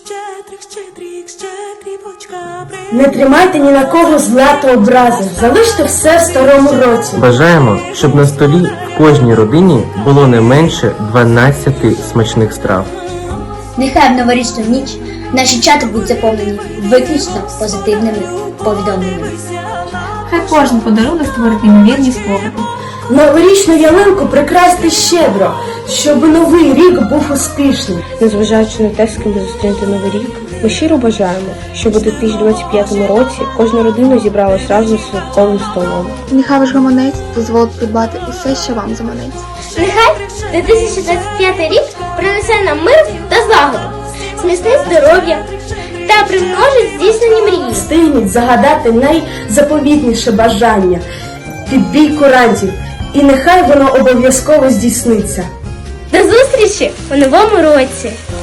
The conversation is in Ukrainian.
Не тримайте ні на кого зла та образи, залиште все в старому році. Бажаємо, щоб на столі в кожній родині було не менше 12 смачних страв. Нехай в новорічну ніч наші чати будуть заповнені виключно позитивними повідомленнями. Хай кожен подарунок створить неймовірні спогади. Новорічну ялинку прикрасти щедро, щоб новий рік був успішним. Незважаючи на те, з ким ви зустрінете новий рік, ми щиро бажаємо, щоб у 2025 році кожна родина зібралась разом з святковим столом. Нехай ваш гаманець дозволить придбати усе, що вам заманеться. Нехай 2025 рік принесе нам мир та злагоду, зміцнить здоров'я та примножить здійснені мрії. Встигніть загадати найзаповітніше бажання під бій курантів, і нехай воно обов'язково здійсниться. До зустрічі у новому році!